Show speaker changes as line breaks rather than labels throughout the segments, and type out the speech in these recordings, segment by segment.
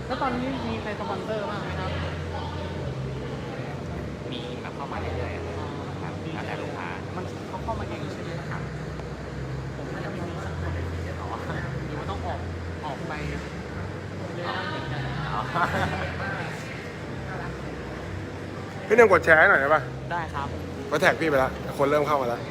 แล้วตอนนี้มีใครสปอนเซอร์บ้างไหมครับ
มีแบบเข้ามาเรื่อยๆครับแล้วแต่ลูกค้า
มันเขาเข้ามาเองใช่ไหมครับผมน่าจะมีสักคนหรือว่าต้องออกไปเรื่อยๆเหมือนกัน
พี่หนึ่งกดแชร์ให้หน่อยได้ปะ
ได้ครับ
มาแท็กพี่ไปแล้วคนเริ่มเข้ามาแล้ว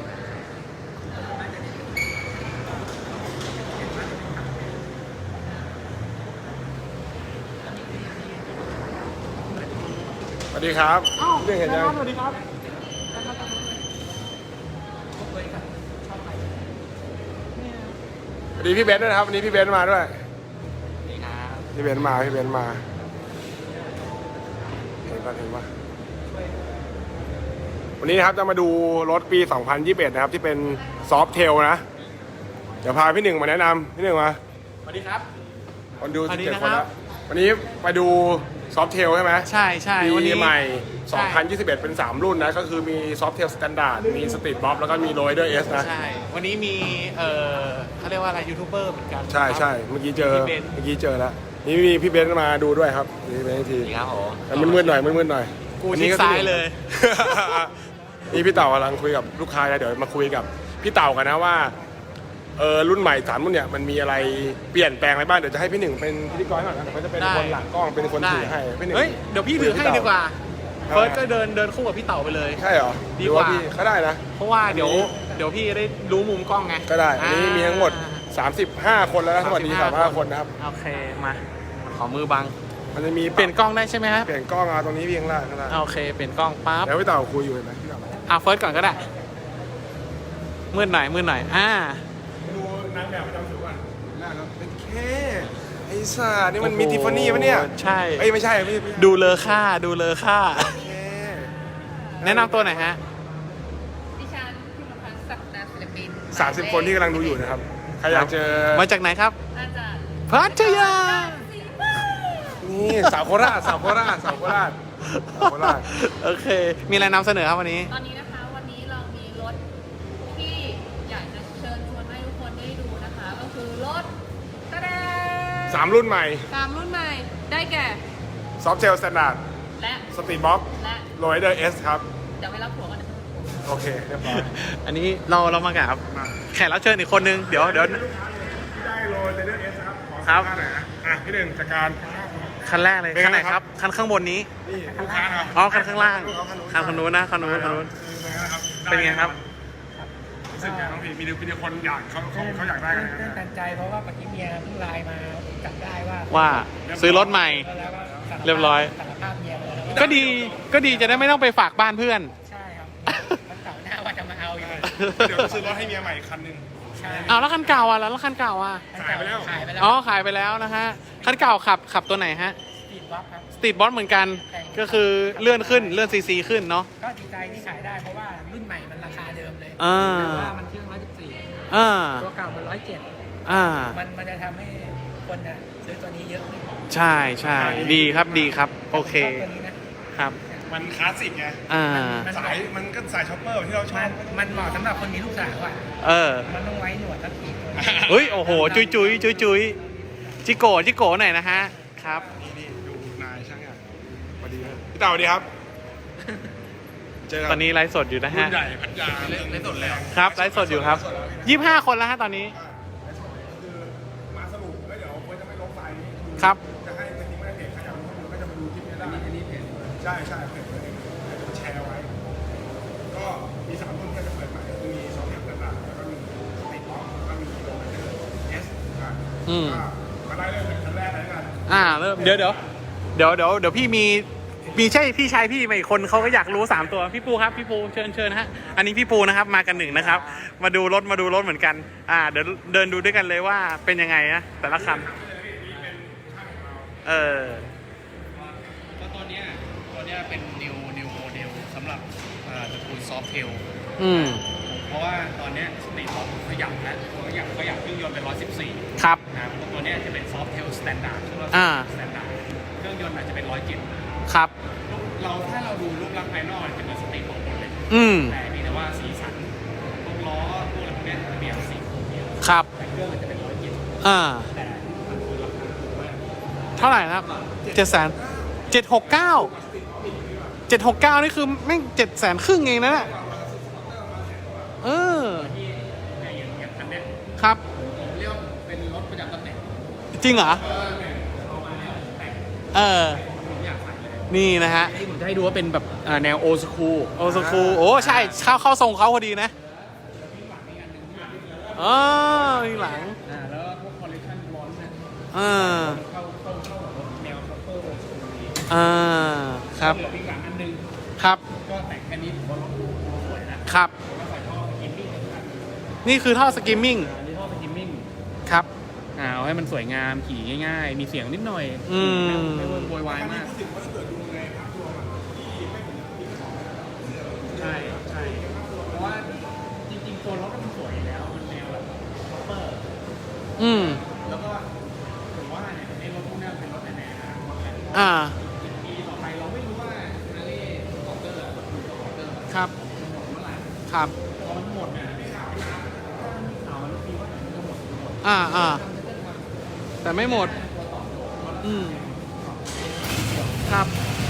สวัสดีครับพี่หนึ่งเห็นยัง
สวัสดีครับ
สวัสดีพี่เบนซ์ด้วยนะครับวันนี้พี่เบนซ์มาด้วย
นี่ครับ
พี่เบนซ์มาเห็นปะวันนี้นะครับจะมาดูรถปี 2021 นะครับที่เป็นซอฟเทลนะ เดี๋ยวพาพี่หนึ่งมาแนะนำพี่หนึ่งมา
สวัสดีครับ
คนดู
สวัสดี
17
นะ
คน
ครั
แล้
บ
ววันนี้ไปดูซอฟเทลใช่ไหม
ใช่วัน
ปี
นี้
ใหม่
ใช่
2021 เป็น 3 รุ่นนะ ก็คือมีซอฟเทลสแตนดาร์ดมีสตรีทบ็อกแล้วก็มีโรยเดอร์เอสนะ
ใช่วันนี้มีเขาเรียกว่าอะไรยูทูบเบอร์เหมือนกัน
ใช่เมื่อกี้เจอ
พี่เบนซ์
แล้วนี่มีพี่เบนซ์มาดูด้วยครับนี่เป็นที
นี่ครับผม
แต่มืดๆหน่อย
กู
อัน
ชิ
นี้
ดซ้ายเลย
นี่พี่เต่ากำลังคุยกับลูกค้านะเดี๋ยวมาคุยกับพี่เต่ากันนะว่ารุ่นใหม่3รุ่นเนี่ยมันมีอะไรเปลี่ยนแปลงอะไรบ้างเดี๋ยวจะให้พี่หนึ่งเป็นพิธีกรหน่อยนะเดี๋ยวเขาจะเป็น
ได้
คนหลังกล้องเป็นคนถือให้พี่หนึ่ง
เฮ้ยเดี๋ยวพี่ถือให้ดีกว่า
ทำไม
เฟิร์สก็เเดินคู่กับพี่เต่าไปเลย
ใช่เหรอ
ดีกว่า
หรือพี่ก็ได้นะ
เพราะว่าเดี๋ยวพี่ได้รู้มุมกล้องไง
ก็ได้อันนี้มีทั้งหมด35 คนแล้วนะทั้งหมดนี้35 คนนะครับ
โอเคมาขอมือบัง
มันจะมี
เปลี่ยนกล้องได้ใช่ไหมครับ
เปลี่ยนกล้องตรงนี้เพียงล่างข้างล่าง
โอเคเปลี่ยนกล้องปั๊บ
แล้วพี่เต่าคุยอยู่เห็นไหมพี่เต่า
เฟิร์สก่อนก็ได้มืดหน่อย
ดูนางแบบประจำสุวรรณน่าครับเป็นแค่ไอ้สัสนี่มันมีทิฟฟานี่ปะเนี่ย
ใช่
เอ้ยไม่ใช่พี่
ดูเลอค่า
แค่
แนะนำตัวหน่อยฮะ
ดิฉันพิมพ์พันธ์ศักดาศิลปิน
30 คนที่กำลังดูอยู่นะครับใครอยากเจอ
มาจากไหนครับ
อาจารย์
พัทยา
นี่สาวโคราช
โอเค มีอะไรนำเสนอครับวันนี้
ตอนนี้นะคะวันนี้เรามีรถที่อยากจะเชิญชวนให้ทุกคนได้ดูนะคะ ก็คือรถกระแดง
3 รุ่นใหม่
3 รุ่นใหม่ ได้แก่
ซอฟเทลสแตนดาร์ด
และ
สตรีทบ็อก
และ
โรยเดอร์เอสครับ
เดี๋ยวไปรับผัวกันนะ
โอเคเรียบร้อย
อันนี้เรามากับแขกรับเชิญอีกคนนึงเดี๋ยว
ที่ได้โรยเดอร์เอสครับขอ
ครับ
สัมภาษณ์หน่อยนะพี่หนึ่งจากการ
คันแรกเลย
เป็นไง
คันไหน
ค
ค
รั
รับ บคันข้างบนนี้
นี่ลูกค้าเนาะ
อ๋อคันข้างล่างคันคนนู้นนะคันนู้น เป็นไงครับ
รู้สึกไงน้องพี่มีคนอยากเขาอยากได้กัน
ตื่นตันใจเพราะว่าเมื่อกี้เมียเพิ่งไลน์มาจับได้ว่า
ว่าซื้อรถใหม่
แล้วก็สารภาพ
เรียบร้อย
สารภาพเมียไปแล้ว
ก็ดีจะได้ไม่ต้องไปฝากบ้านเพื่อน
ใช่ครับมันเก่าร์หน้าว่าจะมาเอาอยู่
เดี๋ยวซื้อรถให้เมียใหม่คันหนึ่ง
ใช่
อ้าวแล้วคันเก่าอ่ะแล้วคันเก่าอ่ะ
ขายไปแล้ว
ขายไปแล้ว
อ๋อขายไปแล้วนะฮะคันเก่าขับตัวไหนฮะ
ติดบล็อกครับ
สตรีทบอสเหมือนกัน ก็คือเลื่อนซีซีขึ้นเนาะ
ก็ดีใจที่ขายได้เพราะว่ารุ่นใหม่มันราคาเดิมเลย
อ่า
แต่ว่ามันเครื่อง114
อ่า
ตัวเก่ามัน107
อ่า
มันจะทำให้คนน่ะซื้อตัวนี้เยอะขึ้น
ใช่ดีครับโอเค
ชอบตัวนี้นะครับ
มันคลาสสิกไง
อ่า
มันก็สายช็อปเปอร์ที่เราชอบ
มันเหมาะสำหรับคนมีลูกสาวอ่ะ
เออ
มันต้องไว้หนวดสักทีตัว
เฮ้ยโอ้โหจุยจิโกหน่อยนะฮะครับ
นี่ดูนายช่างใหญ่สวัสดีครับพี่เต่าสวัสดีครับเจอ
ตอนนี้ไลฟ์สดอยู่นะ
รุ่
ฮะ
นใหญ่พัทยาเล่นสดแล้ว
ครับไลฟ์สดอยู่ครับ25 คนแล้วฮะตอนนี้
คือมาสรุปแล้วเดี๋ยวเพื่อจะไม่ลบไฟล์นี้
ครับ
จะให้เป็นที่ไม่ได้เพจใครอยากรู้ก็จะมาดูคลิปนี้ได้อันนี้เพจใช่เพจเลยจะแชร์ไว้ ก็มี3รุ่นที่จะเปิดใหม่คือมี2อย่างต่างๆแล้วก็มีสปีดบ็อกซ์แล้วก็มีโรเดอร์เอสมาได้เริ่มจากคันแรกเลยกัน
เริ่มเดี๋ยวพี่ใช่พี่ชายพี่มาอีกคนเขาก็อยากรู้3ตัวพี่ปูครับพี่ปูเชิญฮะอันนี้พี่ปูนะครับมากันหนึ่งนะครับ มาดูรถเหมือนกันเดี๋ยวเดินดูด้วยกันเลยว่าเป็นยังไงนะแต่ละคัน
ก็ตัวเนี้ยเป็น new model สำหรับตระกูล soft tail เพราะว่าตอนเนี้ยสตรีทบ็อกขยับแล้วขยับเครื่องยนต์เป็น114
ครับ
นะครับตัวเนี้ยจะเป็น soft tail standard เครื่องยนต์ standard เครื่องยนต์อาจจะเป็น107
ครับ
ถ้าเราดูรูปลักษณ์ภายนอกจะเป็นสตรีทบ็อกหมดเลย แต่มีแต่ว่าสีสันพวกล้อพวกอะไรพวกเนี้ยจะเปลี่ยนสีโครเมียม
ครับ
แต่เครื่องมันจะเป็น107แต่มันคือราคาถูกมาก
เท่าไหร่นะครับ700,000 769นี่คือแม่ง700,000 เองนะเนี่ยเออ
ที่เนี่ยอย่างคันเนี้ย
ครับ
ผมเรียกว่าเป็นรถประจำตำแหน่ง
จริงเหรอ
เอามาเนี่ยแต่ง
เออ
ผมอยากใส่เลย
นี่นะฮะ
นี่ผมจะให้ดูว่าเป็นแบบแนวโอสคูล
โอสคูโอ้ใช่เข้าทรงเขาพอดีนะอ๋อมีหลัง
แล้วพวกคอลเลคชันร้อนเนี่ย
อ่า
เข้ากับรถแนวคัพเปอร์โอสคูลดี
อ่าครับ
เหลืออีกหลังอันนึง
ครับ
ก็แต่งแค่นี้ผมว่ารถดูสวยนะครับ ผมก็ใส่ท่อสกิมมิ่งนะครับ
นี่คือท่อสกิมมิ่ง
อันนี้ท่อสกิมมิ่ง
ครับ
เอาให้มันสวยงามขี่ง่ายๆ มีเสียงนิดหน่อย
อืม
ไม่โวยวายมาก
พูดถึงว่าถ้าเกิดดูในภาพรวมอะที่ไม่เหมือนปีสอง
ใช่ใช่เพราะว่าจริงๆตัวรถมันสวยอยู่แล้ว มันแนวแบบคัพเปอร์
อืม
แล้วก็ผมว่าเนี่ยไอ้รถพวกเนี้ยเป็นรถในอนาคตแหละ
อ่า
อีกปีต่อไปเราไม่รู้ว่าฮาร์เลย์คอปเตอร์หรือคอปเตอร์
ครับ
มันหมดเมื่อไหร่
ครับ
พอมันหมดเนี่ยไม่ข่าวไม่นานข่าวมันปีว่ามันจะหมด
อ่าแต่ไม่หมด อืมครับ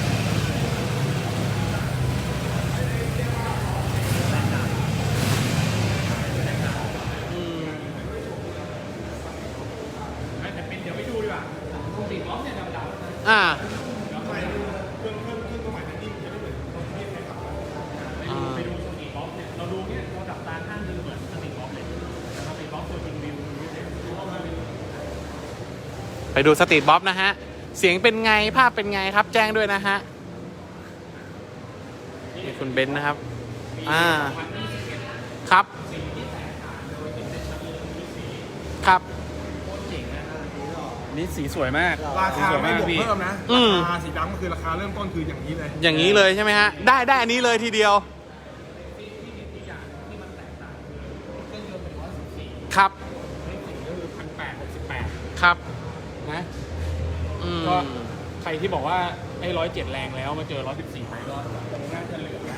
อืม
แต่เป็นเดี๋ยวไปดูดีกว่าสีล้อมเนี่ยดำๆ
อ่า
ไปดูสตรีทบ็อกเนี่ยเราดูเนี่ยเราดับตาข้างนึงเหมือนสตรีทบ็อกเลยแต่สตรีทบ็อกตัวจริงวิวนี่เนี่ยดูว่ามันเป็น
ไปดูสตรีทบ๊อบนะฮะ เสียงเป็นไงภาพเป็นไงครับ แจ้งด้วยนะฮะนี่คุณเบนซ์นะครับ อ่า ครับ ครับ
นี่สีสวยมาก
ราคาไม่บวกเพิ่มนะ
อืม
ราคาสีดำก็คือราคาเริ่มต้นคืออย่างนี้เลย
อย่างนี้เลยใช่ไหมฮะ ได้อันนี้เลยทีเดียว ครับ
ก็คือ1,868
ครับ
นะ
อืม
ก็ใครที่บอกว่าไอ้107แรงแล้วมาเจอ114ไปก็น่าจะเหลือนะ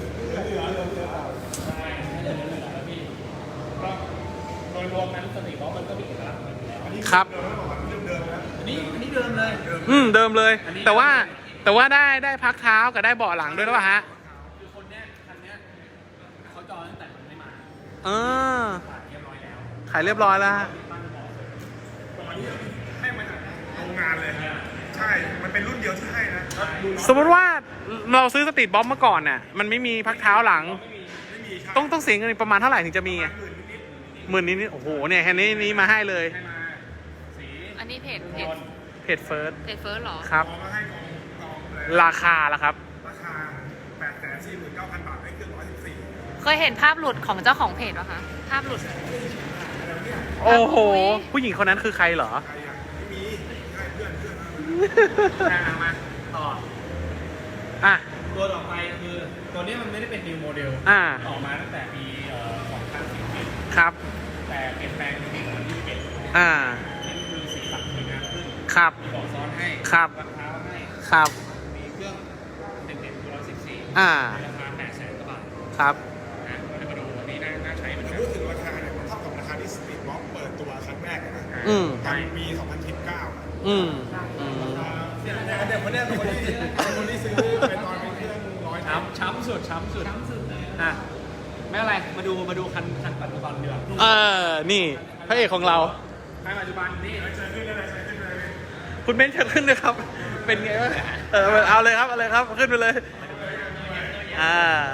ใช่น่าจะเหลือแล้วพี่ก็โดยรวมนั้นสตรีทบ็อกมันก็มีเอกลักษณ์ของมันอยู่แล้ว
ครับ
อันนี้เดิมเลย
เดิมเลย
อันนี้
แต่ว่าได้พักเท้ากับได้เบาะหลังด้วยหรือเปล่าฮะ
คือคนเนี้ยคันเนี้ยเขาจองตั้งแต่มันไม่มา
เออ
ฝากเรียบร้อยแล้ว
ขายเรียบร้อยแล้วฮะ
ตั้งบอกเลย
ให้มาจากโรงงานเลย ใช่ มันเป็นรุ่นเดียวที่ให้นะดู
สมมติว่าเราซื้อสตรีทบ๊อบเมื่อก่อนน่ะ มันไม่มีพักเท้าหลัง
ไม่มีครับ
ต้องเสียเงินประมาณเท่าไหร่ถึงจะมีอะ10,000นิดๆโอ้โหเนี่ยแค่นี้มาให้เลย
ให้มาสี
อันนี้เพจ
เพจเฟิร์ส
เฟิร์สเหรอ
ครับ
พอมาให้กองเลย
ราคาละครับ
ราคา 849,000 บาทได้เครื่อง114
เคยเห็นภาพหลุดของเจ้าของเพจปะคะ ภาพหลุด
โอ้โห
อุ๊ย
ผู้หญิงคนนั้นคือใครเหรอ
ใครอ่ะไม่มีให้เพื่อน
มาต่อ
อ่ะ
ตัวต่อไปคือตัวนี้มันไม่ได้เป็น new model
อ่า
ออกมาตั้งแต่ปี2011
ครับ
แต่เปลี่ยนแปลงในปี2021
อ่า
นี่คือสีสันสวยงามขึ้น
ครับ
มีเบาะซ้อนให้
ครับ
ราคาให้
ครับ
มีเครื่องเต็มๆคือ114
อ่า
ในราคา800,000 กว่าบาท
ครับ
นะก็ได้มาดูวันนี้น่าใช้เหมือน
แต่
กัน
พูดถึงราคาเนี่ยมันเท่ากับราคาที่สตรีทบ็อกเปิดตัวครั้งแรกอะนะ
อืม
ตอนปี2019
อืม
เนี่ยคนเนี้ยเป็นคนที่ซื้อเป็นตอนเป็นเครื่อง100
ช้ำสุดอ่ะไม่อะไรมาดูคันปัจจุบันดีกว่า
เออ นี่พระเอกของเรา
คันปัจจุบันนี่
คุณเบนซ์เชิญขึ้นเลยครับ เป็นไงวะเอาเลยครับ ขึ้นไปเลย อ่า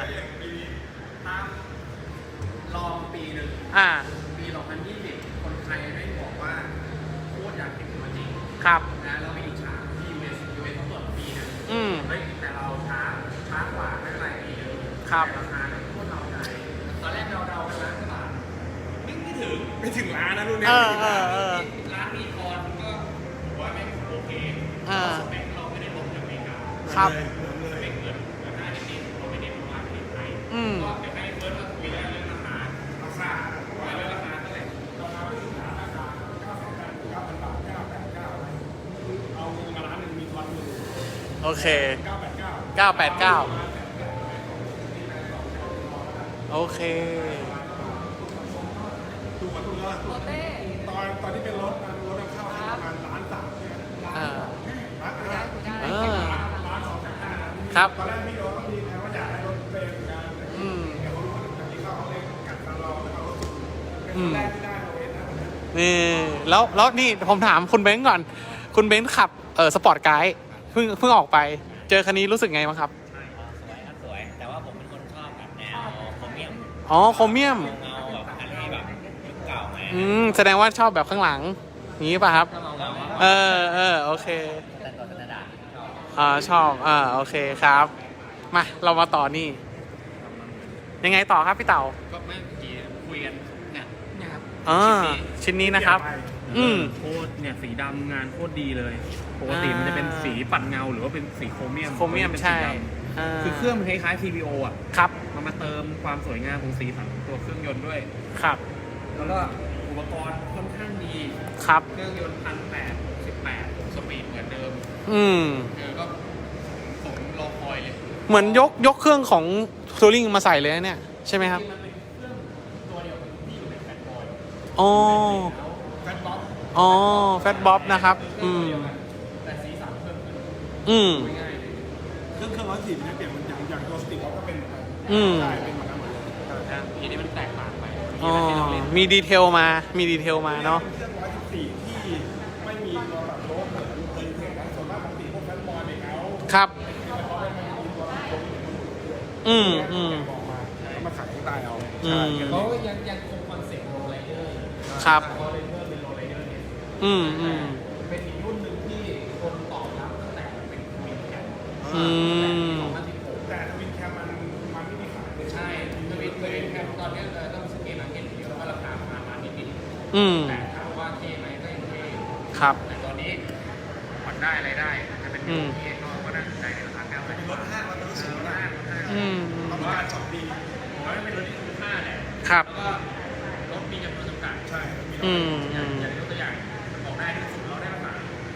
ลองปีหนึ่ง
อ่า
ปี 2020 คนไทยไม่บอกว่าโคตรอยากเห็นตัวจริง
ครับ
นะแล้วไปอิจฉาที่ US เขาเปิดปีหนึง
อืม
เฮ้ยแต่เราช้ากว่าไม่เป็นไรปีหนึง
ครับ
แต่ราคาเนี่ยโคตรเราใจตอนแรกเรากันล้านกว่าบาทไม่ถึง
ไม่ถึงล้านนะรุ่นเนี้
เอย
ไม่
อ
ถึง
เอ
ล้าน
อเออ
ร้านมีคอนก็ถือว่าไม่โอเค
อ่า
สเปคเราไม่ได้ลงจากอเมริกา
ครับ
สเปคเกินราคานิดๆเราไม่ได้ประมาณที่ไทย
อืม
ก็เดี๋ยวให้เฟิร์สมาคุยเรื่องราคาว่าเรื่องราคาเท่าไหร่
เอาเงินมาล้านหนึ่งมีทอนอยู่
โอเค
989
989 โอเค
ดูก่อนดูแล้ว
โอเต้
ตอนที่เป็นรถนำเข้าให้ประมาณ1.3 ล้านเนี่ย
อ่าครับ
ตอนแรกพี่โดนต้องมีแผนว่าอยากให้รถเฟรมเหมือนกัน
อืม
เดี๋ยวเขารู้ว่าจะมีเข้าเอาเล็กกัดตาเราแล้วเอารถเป็นคนแรกที่ได้เราเองนะ
นี่แล้วนี่ผมถามคุณเบ้งก่อน คุณเบ้งขับสปอร์ตไกด์เพิ่งออกไป เจอคันนี้รู้สึกไงบ้างครับ
สวยครับสวย แต่ว่าผมเป็นคนชอบแบบแนวโครเมียม
อ๋อโครเมียม
เงาแบบอันนี้แบบยุคเก่าไง
แสดงว่าชอบแบบข้างหลังนี้ป่ะครับ
ถ้าเงา
โอเค
แต่ตัวธรรมดาชอบ
ชอบโอเคครับ มาเรามาต่อนี่ ยังไงต่อครับพี่เต่า
ก็ไม่เมื่อกี้คุยกันเนี่ยครับ
ชิ้นนี้นะครับ
โคตรเนี่ยสีดำงานโคตรดีเลยปกติมันจะเป็นสีปัดเงาหรือว่าเป็นสีโครเมียม
โครเมียม
เป็น
ใช่
สีดำคือเครื่องมันคล้ายๆ TVO อ่ะ
ครับ
มันมาเติมความสวยงามของสีสันของตัวเครื่องยนต์ด้วย
ครับ
แล้วก็อุปกรณ์ค่อนข้างดี
ครับ
เครื่องยนต์1,868สปีดเหมือนเดิม ก็สมรอคอยเลย
เหมือนยกเครื่องของทัวริงมาใส่เลยนะเนี่ยใช่ไหมครับ
มันเป็นเครื่องตัวเดียวกับที่อยู่ในแฟนบอย
อ๋อ
แฟนบ๊อบ
แฟตบ๊อบนะครับ
แต่สีสันเพิ่มขึ้น ง่ายเลย
เครื่องร้อยสี่มันเปลี่ยนมันอย่างตัวสติกเขาก็เป็นเหมือนกัน ใช่เป็นเหมือนกันหมดเลยใช่
ทีนี้มันแตกต่างไป
มีดีเทลมาเนาะ
เป็นเครื่องร้อยสิบสี่ที่ไม่มีตัวแบบโลเหมือนเคยเห็นนะส่วนมากปกติพวกแฟนบอยเนี่ยเขา
ครับ
เขาไม่มีตัวโลบอกมาแล้วมาขายข้างใต้เอาใช่
เขายังคงคอนเซ็ปต์โรลไรเดอร์
ครับ
โรลไรเดอร์เป็นโรลไรเดอร์เนี่ย เป็นอีกรุ่นหนึ่งที่คนตอบรับตั้งแต่เป็นควินแคม
แต่ทวินแคมมันไม่มีขายเลย
ใช่ทวินแคมตอนนี้ต้องซื้อเกมมาร์เก็ตเยอะแล้วก็ราคาประมาณนิด
อืม
แต่ถามว่าเท่ไหมก็ยังเท่
ครับ
แต่ตอนนี้ผ่อนได้อะไรได้จะเป็นรุ่นที่ก็น่าสนใจในราคา9,000
รถห้างมันรู้สึกว่า
ผมว่า
2 ปี
ผมว่าเป็นรถที่คุ้มค่าแหละ
ครับ
แล้วก็รถมีจำนวนจำกัด
ใช่มี
อย่างยกตัวอย่างบอกได้ที่สุดเราได้ราคา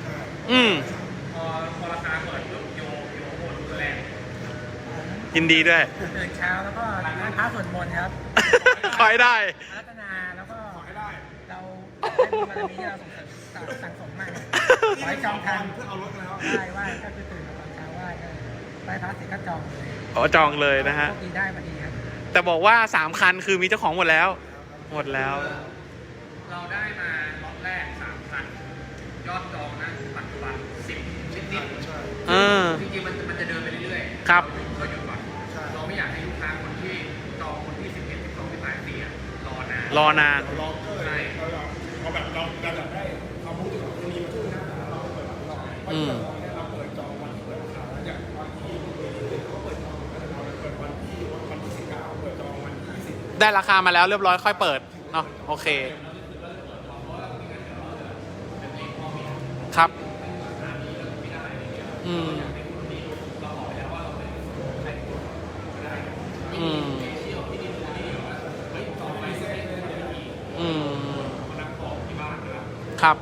พอราคาเปิดปุ๊บโยโอนตัวแรง
ยินดีด้วย
ตื่นเช้าแล้วก็ล้างเท้าสวดมนต์ครับ
ขอให้ได้
รัตนาแล้วก็
ขอให้ได้
เราได้บุญบารมีที่เราสั่งสมมาขอให้จองทัน
เพื่อเอารถกันแล้ว
ไหว้ก็คือตื่นมาตอนเช้าไหว้ก็ไหว้พระเสร็จก็จองเลย
จองเลยนะฮะ
โชคดีได้มาดีครับ
แต่บอกว่า3 คันคือมีเจ้าของหมดแล้ว หมดแล้ว
เราได้มาล็อตแรก 3,000 ยอดจองนะปัจจุบัน10นิด
ใช่
จริงๆมันจะเดินไปเรื่อยๆ
ครับ
เราหยุดก่อน
ใช่
เราไม่อยากให้ลูกค้าคนที่จองคนที่11 12 13 14รอนาน
รอนาน
เราลองก็เลยเราแบบเราแบบได้ความรู้ที่แบบมีมาช่วยนะเราเปิดเราเพราะที่เราเปิดจองวันที่เปิดราคาแล้วอย่างวันที่เขาเปิดจองเราเปิดวันที่19เปิดจองวันที่20
ได้ราคามาแล้วเรียบร้อยค่อยเปิด เนาะโอเค ครับ อืม ครับ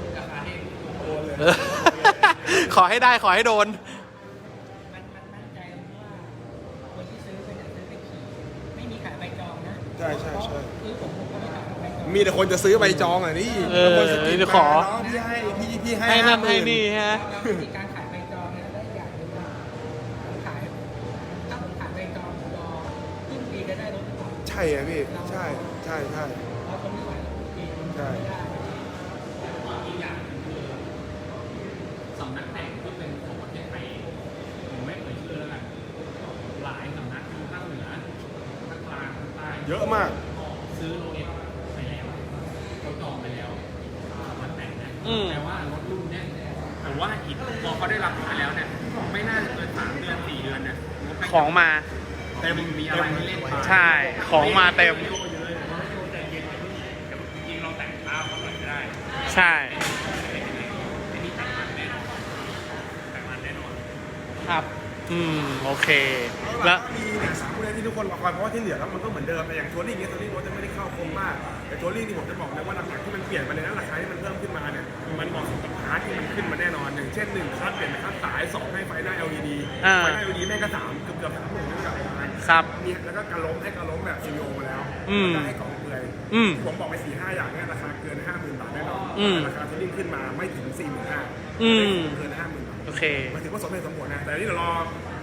ขอให้ได้ขอให้โดน
มันมั่นใจตรงที่ว่าคนที่ซื้อเป็นซื้อไปขี่ไม่มีขายใบจองนะ
ใช่ใช่ใช่
คือผมก็ไม่ขายใบจอง
มีแต่คนจะซื้อใบจองอ่ะนี่
เดี๋ยวขอ
พี่ให้
ให้นั่นให้นี่ฮะ
แล้ววิธีการขายใบจองเนี่ยได้อย่างหนึงว่าผมขายถ้าผมขายใบจองผมรอครึ่งปีก็ได้รถก่อน
ใช่อ่ะพี่ใช่ใช่ใช่
เพราะคนที่ขายรถครึ่งปีมัน
ใช่
ไม่ได้
อีกอย่างหนึ่งคือสำนักแต่งที่เป็นของประเทศไทยผมไม่เอ่ยชื่อแล้วกันหลายสำนักทั้งภาคเหนือภาคกลางภาคใต้
เยอะมาก
ซื้อโลเอฟไปแล้วเขาจองไปแล้วสำนักแต่งนะ แต่ว่ารถรุ่นเนี้ยผมว่าอีกพอเขาได้รับมาแล้วเนี่ยไม่น่าจะเกิน3 เดือน 4 เดือนเนี่ย
ของมา
เต็มมีอะไรให้เล่นไป
ใช่ ของมาเต็ม
จริงๆเราแต่งข้าวเขาหน่อยก็ได้
ใช่
ไม่มีแต่งมันแน่นอนแต่งมันแน่นอน
ครับ โอเค
แล้
แล้ว ว
มีเนี่ย3ผู้เล่นที่ทุกคนรอคอยเพราะว่าที่เหลือแล้วมันก็เหมือนเดิมแต่อย่างทัวริ่งเนี่ยทัวริ่งรถจะไม่ได้เข้าคมมากแต่ทัวริ่งที่ผมจะบอกเลยว่าหลักๆที่มันเปลี่ยนไปเลยนะราคาที่มันเพิ่มขึ้นมาเนี่ยมันเหมาะสมกับพาร์ทที่มันขึ้นมาแน่นอนอย่างเช่น1คัสเปลี่ยนเป็นคัสสาย2ให้ไฟหน้า LED ไฟหน้า LED แม่งก็3เกือบ3 หมื่นกับประมาณ
ครับ
มีแล้วก็การล้มให้การล้มแบบ CVO มาแล้ว
อืม
แล้วก็ให้กล่องเปลือย ผมบอกไป 4-5 อย่างเนี่ยราคาเกิน 50,000 บาทแน่นอนแต่ราคาทัวริ่งขึ้นมาไม่ถึง 45,000
อืม
เกิน 50,000 บาท
โอเค
หมายถึงว่าสมเหตุสมผลนะแต่อันนี่เดี๋ยวรอ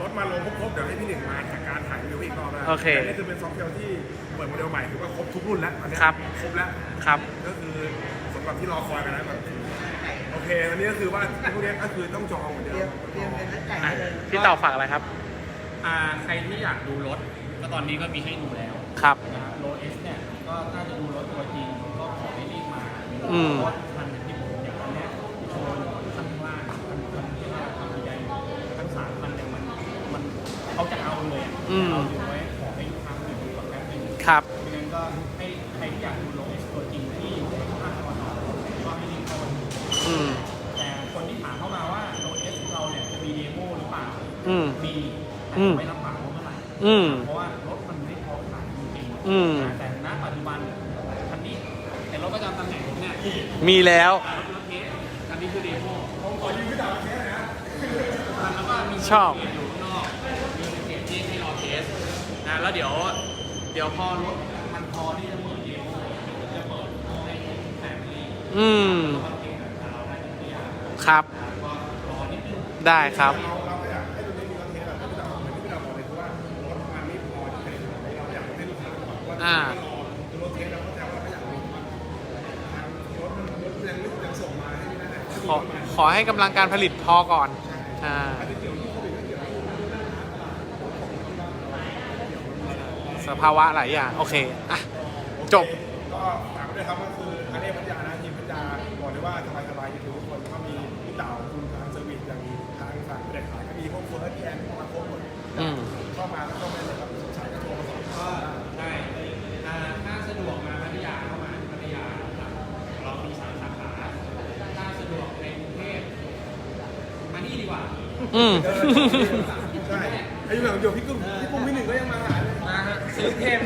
รถมาลงครบๆเดี๋ยวให้พี่หนึ่งมาจากการถ่ายรีวิวอีกรอบนะ
โอเค
แต่นี่คือเป็นซอฟต์แวร์ที่เปิดโมเดลใหม่ถือว่าครบทุกรุ่นแล้วตอนนี้
ครับ
ครบแล้ว
ครับ
ก็คือสำหรับที่รอคอยกันนะแบบโอเควันนี้ก็คือว่าพวกนี้ก็คือต้องจองเหมือนเดิม
อ่ะพี่ต่อฝากอะไรครับ
ใครที่อยากดูรถก็ตอนนี้ก็มีให้ดูแล้ว
ครับ
โลเอสเนี่ยก็น่าจะดูรถตัวจริงก็ขอให้รีบมา
อืม
เพราะว่าคันที่ผมอย่างตอนเนี้ยโชว์ข้างล่างคันที่ว่าทำใหญ่ทั้งสามคันเนี่ยมันเขาจะเอาเลยอะ
อืม
เอาอยู่ไว้ขอให้ลูกค้าไปดูก่อนแป๊บนึง
ครับ
ดังนั้นก็ให้ใครที่อยากดูโลเอสตัวจริงที่อยู่ในภาคตะวันออกก็ให้รีบเข้ามาดู
อืม
แต่คนที่ถามเข้ามาว่าโลเอสเราเนี่ยจะมีเดโมหรือเปล่า
อืม
มีแต่
อืม
ไม่รับปากว่าเมื่อไหร่
อืม
เพราะว่ารถมันไม่พอขายจริงๆ
อืม
แต่ณปัจจุบันคันนี้แต่รถประจำตำแหน่งผมเนี่ย
มีแล้ว
รถเทสคันนี้คือเดโมผมขอยืมพี่ดาวเทสนะแล้วก็มี
ชอบ
อยู่ข้างนอกมีเสียงที่ให้รอเทสนะแล้วเดี๋ยวพอรถมันพอที่จะเปิดเดโมจะเปิดให้แฟมิลี่
อืม
แล้วก็เทสกับเราได้ทุกอย่าง
ครับ
ก็รอนิดนึง
ได้ครับ
เราก็อยากให้ตัวนี้มีคอนเทนต์แบบที่เราเหมือนที่เราบอกเลยคือว่ารถมันไม่พอจะเป็นเราอยากให้ลูกค้าบอกว่า
อ่า
รรถเทสเราก็จะว่าไม่อยากมีทางรถมันยังส่งมาให้ไม่ได้
ขอให้กำลังการผลิตพอก่อนอ่าสภาวะหลายอย่าง โอเค อ่ะ จบ
ก็ฝากไว้ด้วยครับก็คืออันนี้พัทยานะทีมพัทยาบอกเลยว่าสบายๆอยู่ทุกคนก็มีพี่เต่าคุณทางเซอร์วิสอย่างทางฝั่งผู้เด็กขายก็มีพวกเฟิร์สพี่แอนพวกมาโค้ชหมด
อืม
เข้ามาแล้วก็ไม่ได้ครับสงสัยก็โทรมาสอบถามได้
ได้ถ้าสะดวกมาพัทยาเข้ามาที่พัทยาครับเรามี3 สาขา ถ้าสะดวกในกรุงเทพมานี่ดีกว่า
อืม
ใช่ไอ้อย่างเดียวพี่กุ้งพี่หนึ่งก็ยังมาหาเลย
มาฮะซื้อเทพ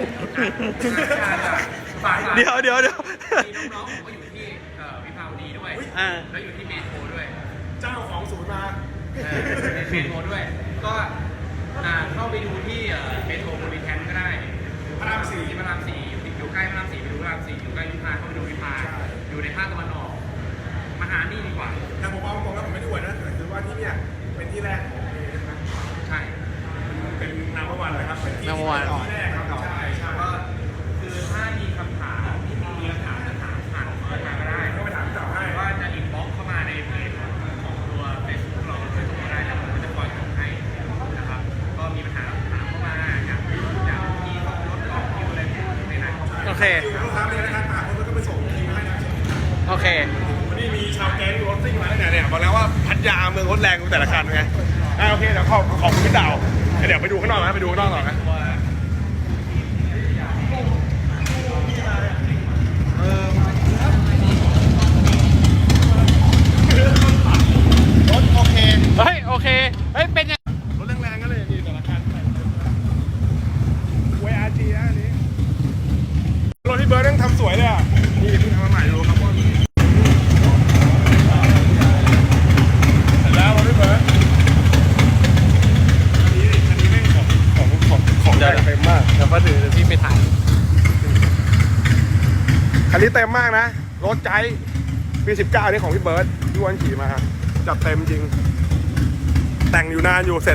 ฝาก
เดี๋ยว
มีน้องๆผมก็อยู่ที่วิภาวดีด้วย
อ่า
แล้วอยู่ที่เมโทรด้วย
เจ้าของศูนย์มา
เมโทรด้วย ก็เข้าไปดูที่เมโทรโพลิแทนก็ได้
พระรามสี่
ที่พระราม4อยู่ใกล้พระราม4ไปดูพระราม4อยู่ใกล้วิภาเข้าไปดูวิภาอยู่ในภาคตะวันออกมาหานี่ดีกว่า
แต่ผมเอาตรงแล้วผมไม่ได้อวดนะแต่คือว่าที่เนี่ยเป็นที่แรกของเอนะ
ใช่
เป็นนัมเบอร์วันเลยครับเป็นที่
number one
ที่แรกครับใช่ใช่
ก็คือถ้ามีคำถามที่มีคำถามจะถามผ่านเข้ามาก็ได้
ก็ไปถามพี่เต่าให้
หรือว่าจะอินบ็อกซ์เข้ามาในเพจของตัว Facebook เราโดยตรงก็ได้แล้วผมก็จะคอยตอบให้นะครับ ก็มีปัญหาถามเข้ามาอย่างที่รถต่อคิวอะไรไหนๆ
โอเค
คิวลูกค้าเลยนะครับคนก็ไปส่งคิวให้นะ
โอเค
วันนี้มีชาวแก๊งรถซิ่งมาแล้วเนี่ยบอกแล้วว่าพัทยาเมืองรถแรงกูแต่ละคันไงโอเคเดี๋ยวขอบคุณพี่เต่าเดี๋ยวไปดูข้างนอกนะไปดูข้างนอกต่อนะรถโอเค
เฮ้ย โอเค เฮ้ย เป็นยัง
รถแรงๆก็เลยมีแต่ละคันYRG นะอันนี้รถที่เบิร์ดต้องทำสวยเลยอ่ะนี่เพิ่งทำมาใหม่ดูครับว่าเสร็จแล้วรถที่เบิร์ดอันนี้แม่งของแต่งเต็มมาก
เดี๋ยวมาถือเดี๋ยวพี่ไปถ่าย
คันนี้เต็มมากนะรถใจปี 19นี่ของพี่เบิร์ดที่วันขี่มาจัดเต็มจริง แต่งอยู่นานอยู่เสร็จ